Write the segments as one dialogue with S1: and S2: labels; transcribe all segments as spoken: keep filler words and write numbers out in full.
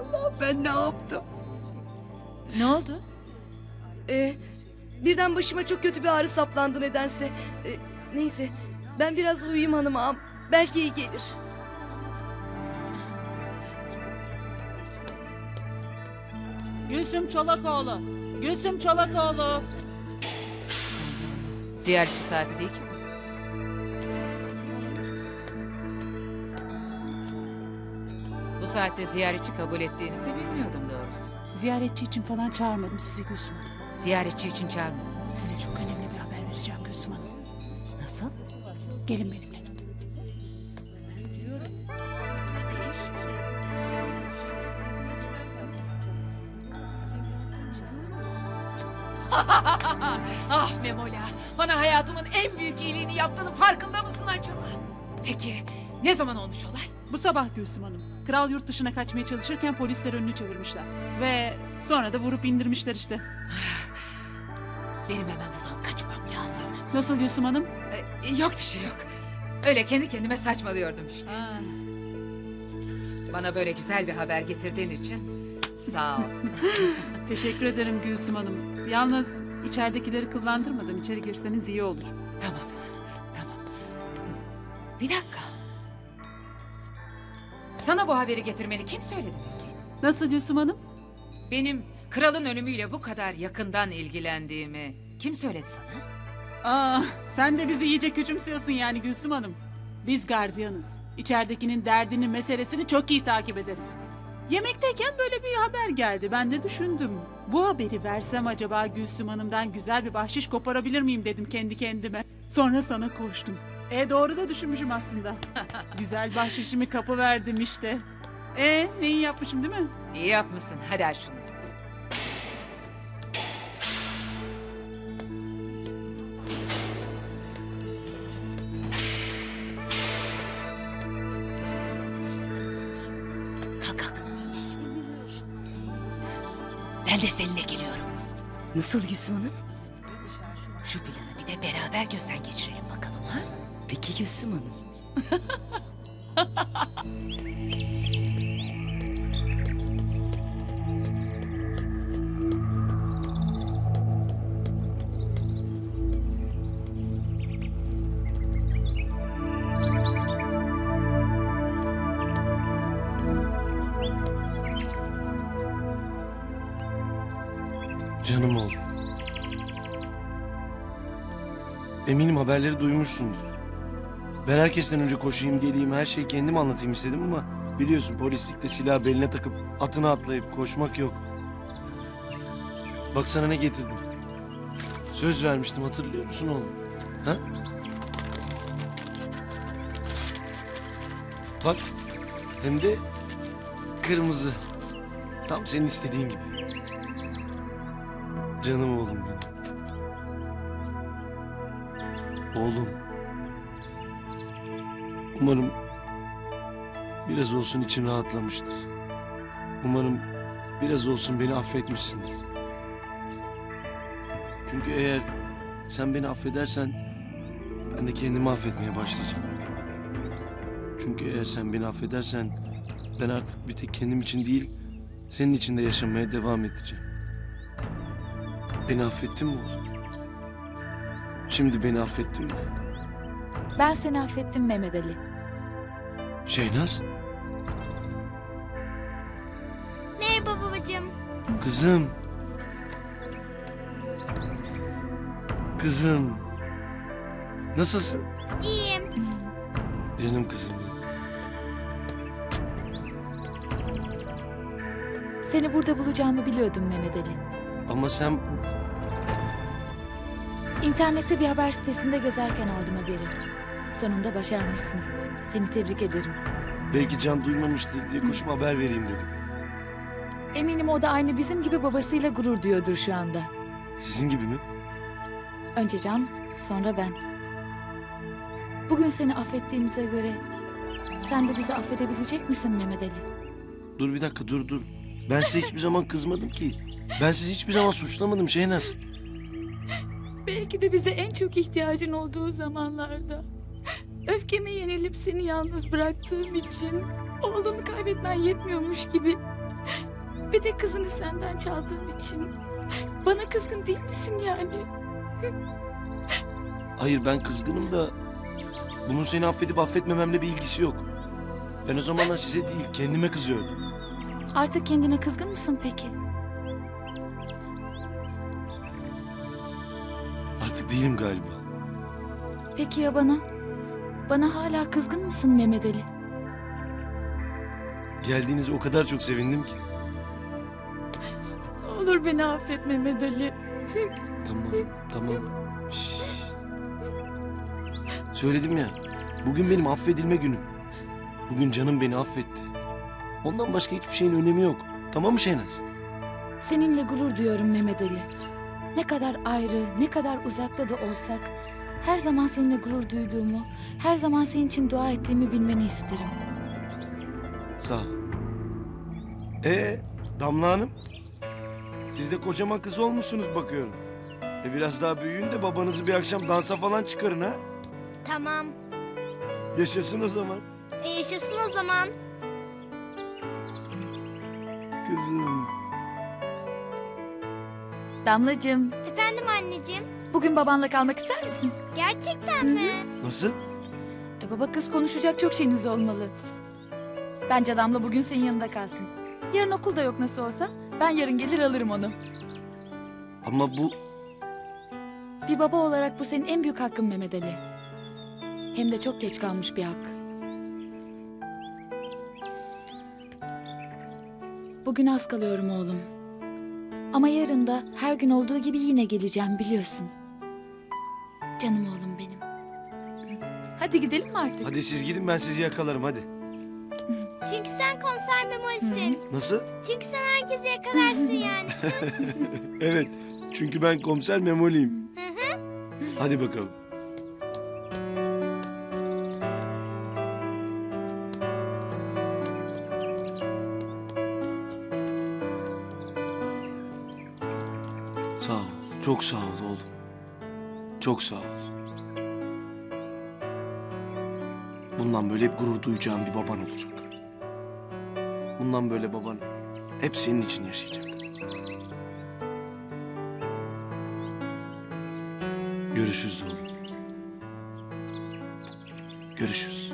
S1: Allah, ben ne yaptım?
S2: Ne oldu?
S1: Ee, birden başıma çok kötü bir ağrı saplandı nedense. Ee, neyse, ben biraz uyuyayım hanım ağam. Belki iyi gelir.
S3: Gülsüm Çolakoğlu. Gülsüm Çolakoğlu.
S2: Ziyaretçi saati değil ki. Bu saatte ziyaretçi kabul ettiğinizi bilmiyordum doğrusu.
S3: Ziyaretçi için falan çağırmadım sizi Gülsüm Hanım.
S2: Ziyaretçi için çağırmadım.
S3: Size çok önemli bir haber vereceğim Gülsüm Hanım.
S2: Nasıl?
S3: Gelin benimle.
S4: Ah Memola, bana hayatımın en büyük iyiliğini yaptığının farkında mısın acaba? Peki, ne zaman olmuş olay?
S3: Bu sabah Gülsüm Hanım. Kral yurt dışına kaçmaya çalışırken polisler önünü çevirmişler. Ve sonra da vurup indirmişler işte.
S4: Benim hemen buradan kaçmam lazım.
S3: Nasıl Gülsüm Hanım?
S4: Ee, yok bir şey yok. Öyle kendi kendime saçmalıyordum işte.
S3: Aa,
S4: Bana böyle güzel bir haber getirdiğin için sağ ol.
S3: teşekkür ederim Gülsüm Hanım. Yalnız içeridekileri kıllandırmadan içeri girseniz iyi olur.
S4: Tamam, tamam. Bir dakika. Sana bu haberi getirmeni kim söyledi peki?
S3: Nasıl Gülsüm Hanım?
S4: Benim kralın ölümüyle bu kadar yakından ilgilendiğimi kim söyledi sana?
S3: Aa, sen de bizi iyice küçümsüyorsun yani Gülsüm Hanım. Biz gardiyanız. İçeridekinin derdini, meselesini çok iyi takip ederiz. Yemekteyken böyle bir haber geldi. Ben de düşündüm. Bu haberi versem acaba Gülsüm Hanım'dan güzel bir bahşiş koparabilir miyim dedim kendi kendime. Sonra sana koştum. E doğru da düşünmüşüm aslında. Güzel bahşişimi kapı verdim işte. E neyi yapmışım değil mi?
S4: İyi yapmışsın. Hadi aç şunu. Kalk kalk. Ben de seninle geliyorum.
S1: Nasıl Gülsüm Hanım?
S4: Şu planı bir de beraber gözden geçirelim bakalım ha?
S1: Peki Gülsüm Hanım.
S5: Canım oğlum. Eminim haberleri duymuşsundur. Ben herkesten önce koşayım geleyim her şeyi kendim anlatayım istedim ama biliyorsun polislikte silah beline takıp atına atlayıp koşmak yok. Bak sana ne getirdim. Söz vermiştim hatırlıyor musun oğlum? Ha? Bak hem de kırmızı. Tam senin istediğin gibi. Canım oğlum benim. Oğlum. Umarım biraz olsun için rahatlamıştır. Umarım biraz olsun beni affetmişsindir. Çünkü eğer sen beni affedersen ben de kendimi affetmeye başlayacağım. Çünkü eğer sen beni affedersen ben artık bir tek kendim için değil senin için de yaşamaya devam edeceğim. Beni affettin mi oğlum? Şimdi beni affettin mi?
S6: Ben seni affettim Mehmet Ali.
S5: Şeynaz,
S7: Merhaba babacığım.
S5: kızım. Kızım. Nasılsın?
S7: İyiyim.
S5: Canım kızım.
S6: Seni burada bulacağımı biliyordum Mehmet Ali.
S5: Ama sen
S6: İnternette bir haber sitesinde gezerken aldım haberi. Sonunda başarmışsın. Seni tebrik ederim.
S5: belki Can duymamıştır diye koşma haber vereyim dedim.
S6: Eminim o da aynı bizim gibi babasıyla gurur duyuyordur şu anda.
S5: Sizin gibi mi?
S6: Önce Can, sonra ben. Bugün seni affettiğimize göre sen de bizi affedebilecek misin Mehmet Ali?
S5: Dur bir dakika dur dur. Ben size hiçbir zaman kızmadım ki. Ben sizi hiçbir zaman suçlamadım Şeynaz.
S6: Belki de bize en çok ihtiyacın olduğu zamanlarda. Öfkeme yenilip seni yalnız bıraktığım için oğlunu kaybetmen yetmiyormuş gibi Bir de kızını senden çaldığım için. Bana kızgın değil misin yani?
S5: Hayır, ben kızgınım da bunun seni affedip affetmememle bir ilgisi yok. Ben o zamanlar size değil, kendime kızıyordum.
S6: Artık kendine kızgın mısın peki?
S5: Artık değilim galiba.
S6: Peki ya bana? Bana hala kızgın mısın Mehmet Ali?
S5: Geldiğinize o kadar çok sevindim ki.
S6: Olur beni affet Mehmet Ali.
S5: Tamam, tamam. Şşş. Söyledim ya, bugün benim affedilme günüm. Bugün canım beni affetti. Ondan başka hiçbir şeyin önemi yok. Tamam mı Şehnaz?
S6: Seninle gurur duyuyorum Mehmet Ali. Ne kadar ayrı, ne kadar uzakta da olsak... her zaman seninle gurur duyduğumu, her zaman senin için dua ettiğimi bilmeni isterim.
S5: Sağ ol. Ee, Damla Hanım? Siz de kocaman kız olmuşsunuz bakıyorum. E biraz daha büyüyün de babanızı bir akşam dansa falan çıkarın ha.
S7: Tamam.
S5: Yaşasın o zaman.
S7: E, yaşasın o zaman.
S5: Kızım.
S6: Damlacığım,
S7: Efendim anneciğim.
S6: bugün babanla kalmak ister misin?
S7: Gerçekten mi?
S5: Nasıl?
S6: E, baba kız konuşacak çok şeyiniz olmalı. Bence Damla bugün senin yanında kalsın. Yarın okul da yok nasıl olsa. Ben yarın gelir alırım onu.
S5: Ama bu...
S6: Bir baba olarak bu senin en büyük hakkın Mehmet Ali. Hem de çok geç kalmış bir hak. Bugün az kalıyorum oğlum. Ama yarın da her gün olduğu gibi yine geleceğim biliyorsun. Canım oğlum benim. Hadi gidelim mi artık?
S5: Hadi siz gidin, ben sizi yakalarım hadi.
S7: Çünkü sen komiser Memoli'sin.
S5: Nasıl?
S7: Çünkü sen herkesi yakalarsın yani.
S5: Evet, çünkü ben komiser Memoli'yim.
S7: Hı hı.
S5: Hadi bakalım. Sağ ol, çok sağ ol oğlum. Çok sağ ol. Bundan böyle hep gurur duyacağım bir baban olacak. Bundan böyle baban hep senin için yaşayacak. Görüşürüz oğlum. Görüşürüz.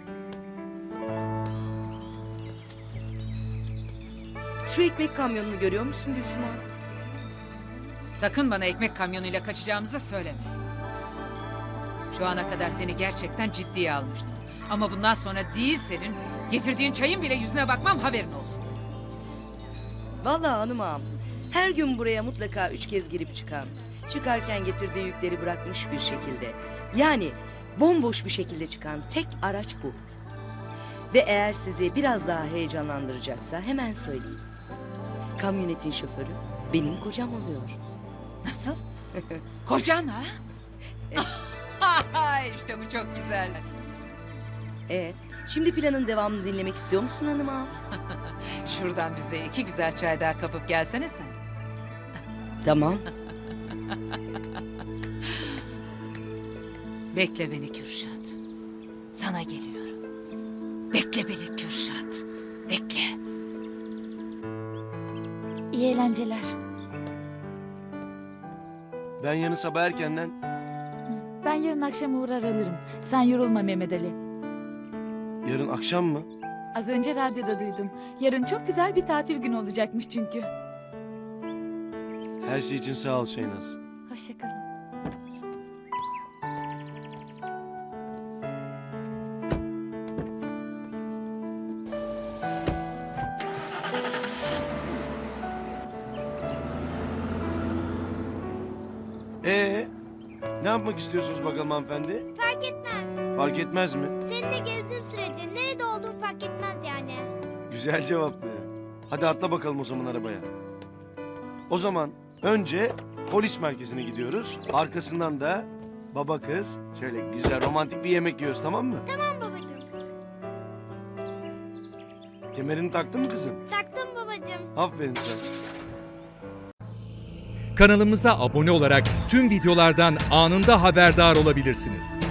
S1: Şu ekmek kamyonunu görüyor musun Gülsüm abi?
S2: Sakın bana ekmek kamyonuyla kaçacağımızı söyleme. Şu ana kadar seni gerçekten ciddiye almıştım. Ama bundan sonra değil senin, getirdiğin çayın bile yüzüne bakmam, haberin olsun.
S1: Vallahi hanım ağam, her gün buraya mutlaka üç kez girip çıkan, çıkarken getirdiği yükleri bırakmış bir şekilde, yani bomboş bir şekilde çıkan tek araç bu. Ve eğer sizi biraz daha heyecanlandıracaksa hemen söyleyeyim. Kamyonetin şoförü benim kocam oluyor.
S2: Nasıl? Kocan ha? İşte bu çok güzel.
S1: E, şimdi planın devamını dinlemek istiyor musun hanım ağam?
S2: Şuradan bize iki güzel çay daha kapıp gelsene sen.
S1: Tamam.
S2: Bekle beni Kürşat. Sana geliyorum. Bekle beni Kürşat. Bekle.
S6: İyi eğlenceler.
S5: Ben yarın sabah erkenden...
S6: Ben yarın akşam uğrar alırım. Sen yorulma Mehmet Ali.
S5: Yarın akşam mı?
S6: Az önce radyoda duydum. Yarın çok güzel bir tatil günü olacakmış çünkü.
S5: Her şey için sağ ol Şehnaz.
S6: Hoşça kalın.
S5: Ee, ne yapmak istiyorsunuz bakalım hanımefendi?
S7: Fark etmez.
S5: Fark etmez mi?
S7: Seninle gezdiğim sürece nerede olduğum fark etmez yani.
S5: Güzel cevaptı. Hadi atla bakalım o zaman arabaya. O zaman önce polis merkezine gidiyoruz. Arkasından da baba kız şöyle güzel romantik bir yemek yiyoruz, tamam mı?
S7: Tamam babacığım.
S5: Kemerini taktın mı kızım?
S7: Taktım babacığım.
S5: Aferin sana.
S8: Kanalımıza abone olarak tüm videolardan anında haberdar olabilirsiniz.